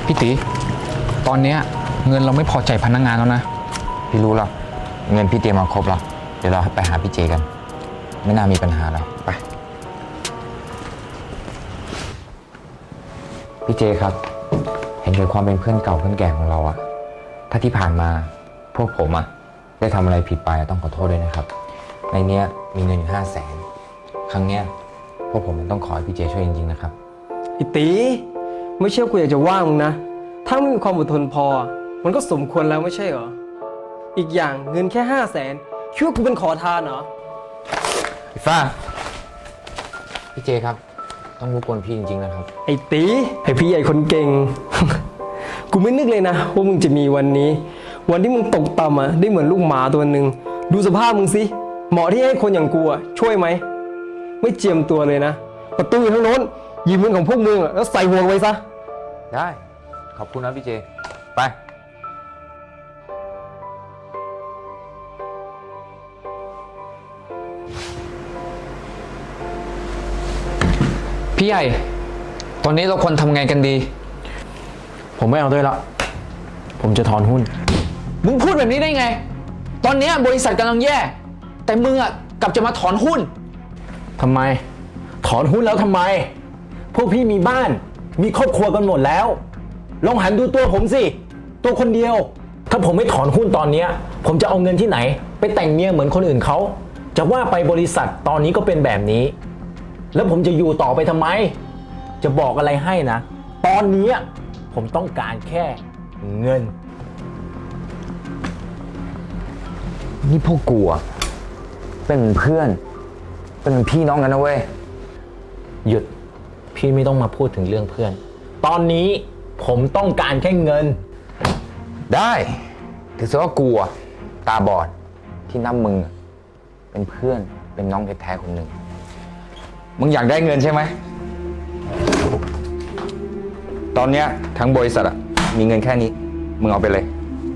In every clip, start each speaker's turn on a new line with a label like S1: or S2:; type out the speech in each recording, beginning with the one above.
S1: พี่ตีตอนนี้เงินเราไม่พอใจพนักงานแล้วนะ
S2: พี่รู้แล้วเงินพี่เตรียมมาครบแล้วเดี๋ยวเราไปหาพี่เจกันไม่น่ามีปัญหาแล้วไปพี่เจครับเห็นถึงความเป็นเพื่อนเก่าเพื่อนแก่ของเราอะถ้าที่ผ่านมาพวกผมอะได้ทำอะไรผิดไปต้องขอโทษด้วยนะครับในเนี้ยมีเงินอยู่500,000ครั้งเนี้ยพวกผมต้องขอให้พี่เจช่วยจริงๆนะครับ
S3: ไอ้ตีไม่เชื่อกูอยากจะว่ามึงนะถ้าไม่มีความอดทนพอมันก็สมควรแล้วไม่ใช่เหรออีกอย่างเงินแค่500,000คิดว่ากูเป็นขอทานเหรอ
S2: พี่ฟ้าพี่เจครับต้องรบกวนพี่จริงๆนะครับ
S3: ไอ้ตีไอ้พี่ใหญ่คนเก่ง กูไม่นึกเลยนะว่ามึงจะมีวันนี้วันที่มึงตกต่ำอ่ะได้เหมือนลูกหมาตัวหนึ่งดูสภาพมึงสิเหมาะที่ให้คนอย่างกูอ่ะช่วยไหมไม่เจียมตัวเลยนะประตูอยู่ทางโน้นหยิบเงินของพวกมึงแล้วใส่ห่วงไว้ซะ
S2: ได้ขอบคุณนะพี่เจไป
S1: พี่ใหญ่ตอนนี้เราควรทำไงกันดี
S4: ผมไม่เอาด้วยละผมจะถอนหุ้น
S1: มึงพูดแบบนี้ได้ไงตอนนี้บริษัทกำลังแย่แต่มึงอ่ะกลับจะมาถอนหุ้น
S4: ทำไมถอนหุ้นแล้วทำไมพวกพี่มีบ้านมีครอบครัวกันหมดแล้วลองหันดูตัวผมสิตัวคนเดียวถ้าผมไม่ถอนหุ้นตอนนี้ผมจะเอาเงินที่ไหนไปแต่งเมียเหมือนคนอื่นเขาจะว่าไปบริษัทตอนนี้ก็เป็นแบบนี้แล้วผมจะอยู่ต่อไปทำไมจะบอกอะไรให้นะตอนนี้ผมต้องการแค่เงิน
S2: นี่พวกกูอะเป็นเพื่อนเป็นพี่น้องกันนะเว้ย
S4: หยุดพี่ไม่ต้องมาพูดถึงเรื่องเพื่อนตอนนี้ผมต้องการแค่เงิน
S2: ได้ถือซะว่ากูอะตาบอดที่นับมึงเป็นเพื่อนเป็นน้องแท้ๆคนหนึ่งมึงอยากได้เงินใช่ไหมตอนเนี้ยทั้งบริษัทอะมีเงินแค่นี้มึงเอาไปเลย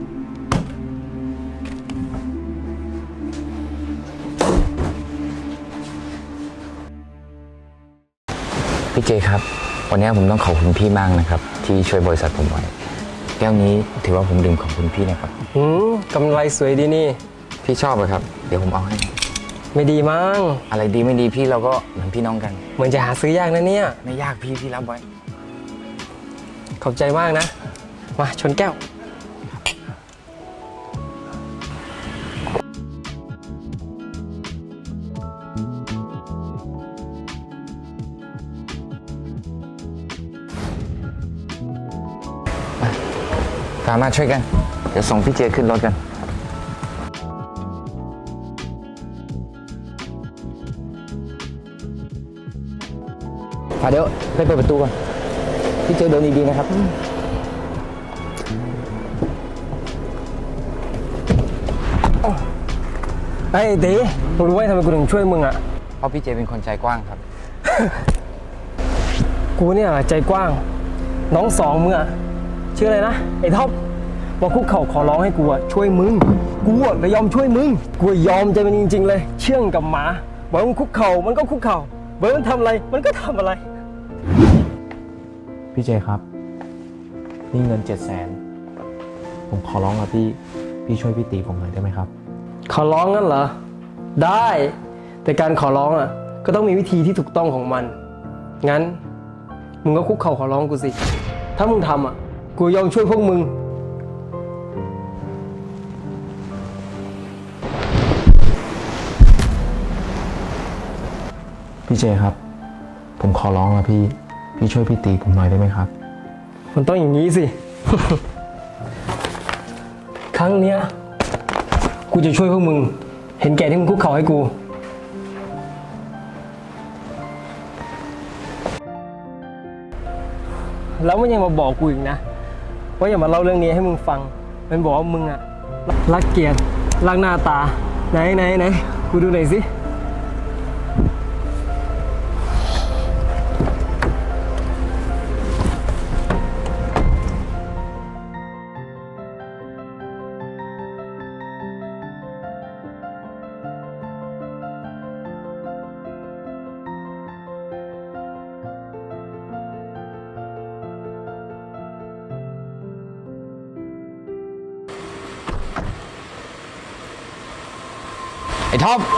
S2: พี่เจครับวันนี้ผมต้องขอบคุณพี่มากนะครับที่ช่วยบริษัทผมไว้แก้วนี้ถือว่าผมดื่มขอบคุณพี่นะครับ
S3: กำไรสวยดีนี่
S2: พี่ชอบเลยครับเดี๋ยวผมเอาให้
S3: ไม่ดีมั้ง
S2: อะไรดีไม่ดีพี่เราก็เหมือนพี่น้องกัน
S3: เหมือนจะหาซื้อยากนะเนี่ย
S2: ไม่ยากพี่รับไว้
S3: ขอบใจมากนะมาชนแก้ว
S2: สามารถช่วยกันเดี๋ยวส่งพี่เจขึ้นรถกันเดี๋ยวไปเปิดประตูก่อนพี่เจเดินดีๆนะครับ
S3: ไอ้ตีมึงรู้ไหมทำไมกูถึงช่วยมึงอ่ะ
S2: เพราะพี่เจเป็นคนใจกว้างครับ
S3: กูเนี่ยใจกว้างน้องสองมึงอ่ะชื่ออะไรนะไอ้ท็อปว่าคุกเข่าขอร้องให้กูช่วยมึงกูเลยยอมช่วยมึงกูยอมใจมันจริงๆเลยเชื่องกับหมาบอกมันคุกเข่ามันก็คุกเข่าบอกมันทำอะไรมันก็ทำอะไร
S4: พี่เจครับนี่เงิน700,000ผมขอร้องครับพี่ช่วยพี่ตีผมหน่อยได้ไหมครับ
S3: ขอร้องงั้นเหรอได้แต่การขอร้องก็ต้องมีวิธีที่ถูกต้องของมันงั้นมึงก็คุกเข่าขอร้องกูสิถ้ามึงทำกูยอมช่วยพวกมึง
S4: พี่เจครับผมขอร้องนะพี่ช่วยพี่ตีผมหน่อยได้ไหมครับ
S3: มันต้องอย่างนี้สิ ครั้งเนี้ยกูจะช่วยพวกมึงเห็นแก่ที่มึงคุกเข่าให้กูแล้วมันยังมาบอกกูอีกนะว่าอย่ามาเล่าเรื่องนี้ให้มึงฟังมันบอกว่ามึงรักเกียรติรักหน้าตาไหนกูดูหน่อยสิ
S2: ไอ้ท็อป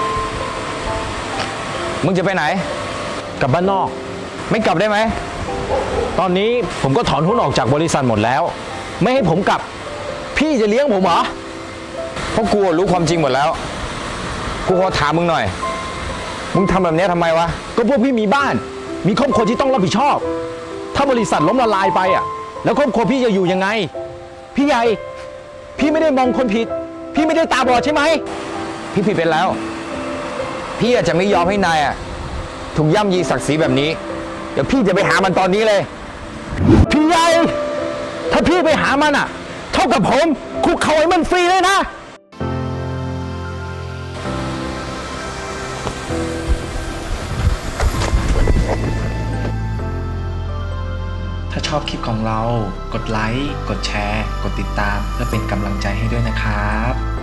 S2: มึงจะไปไหน
S4: กลับบ้านนอก
S2: ไม่กลับได้ไหม
S4: ตอนนี้ผมก็ถอนหุ้นออกจากบริษัทหมดแล้ว ไม่ให้ผมกลับ พี่จะเลี้ยงผมเหรอ
S2: เพราะกูรู้ความจริงหมดแล้ว กูขอถามมึงหน่อย มึงทำแบบนี้ทำไมวะ
S4: ก็พวกพี่มีบ้าน มีครอบครัวที่ต้องรับผิดชอบ ถ้าบริษัทล้มละลายไปอ่ะ แล้วครอบครัวพี่จะอยู่ยังไง พี่ใหญ่ พี่ไม่ได้มองคนผิด พี่ไม่ได้ตาบอดใช่ไหม
S2: พี่ผิดไปแล้ว พี่อาจจะไม่ยอมให้นายอ่ะถูกย่ำยีศักดิ์ศรีแบบนี้ เดี๋ยวพี่จะไปหามันตอนนี้เลย
S4: พี่ใหญ่ ถ้าพี่ไปหามันอ่ะ เท่ากับผมคุกเข่าให้มันฟรีเลยนะ
S5: ถ้าชอบคลิปของเรา กดไลค์ กดแชร์ กดติดตาม เพื่อเป็นกำลังใจให้ด้วยนะครับ